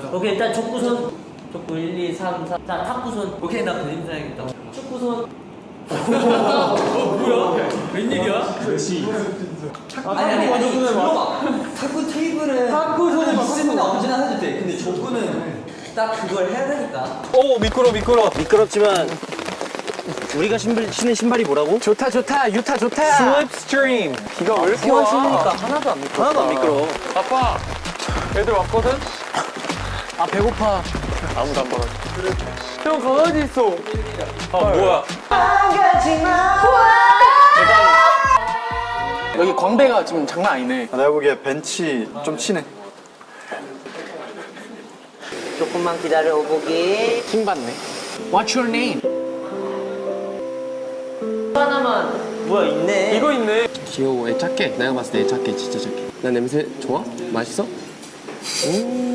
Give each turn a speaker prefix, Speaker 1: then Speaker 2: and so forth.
Speaker 1: 오케이, 일단 족구손. 족구 1, 2, 3, 4. 자, 탁구손.
Speaker 2: 오케이, 나 그림 사야겠다.
Speaker 1: 축구손.
Speaker 2: 뭐야? 웬일이야? 아니, 들어봐. 탁구 테이블은 탁구손은 있으면 언제나 해도 돼. 근데 족구는 딱 그걸 해야 되니까.
Speaker 3: 오, 미끄러.
Speaker 1: 미끄럽지만 우리가 신는 신발이 뭐라고?
Speaker 3: 좋다. 유타 좋다. 슬립스트림. 비가 왜 이렇게 와?
Speaker 1: 신으니까 하나도 안 미끄러워. 하나도 안 미끄러워.
Speaker 3: 아빠, 애들 왔거든? 아, 배고파. 아무도 안 받아. 형, 강아지 있어. 아, 뭐야. 여기 광배가 지금 장난 아니네.
Speaker 4: 내가 보기에 벤치 좀 치네.
Speaker 1: 조금만 기다려 오보기.
Speaker 3: 킹 받네. What's your name?
Speaker 1: 하나만. 뭐야, 있네.
Speaker 3: 이거 있네. 귀여워. 애 착해. 내가 봤을 때 애 착해. 진짜 착해. 나 냄새 좋아? 맛있어? 오.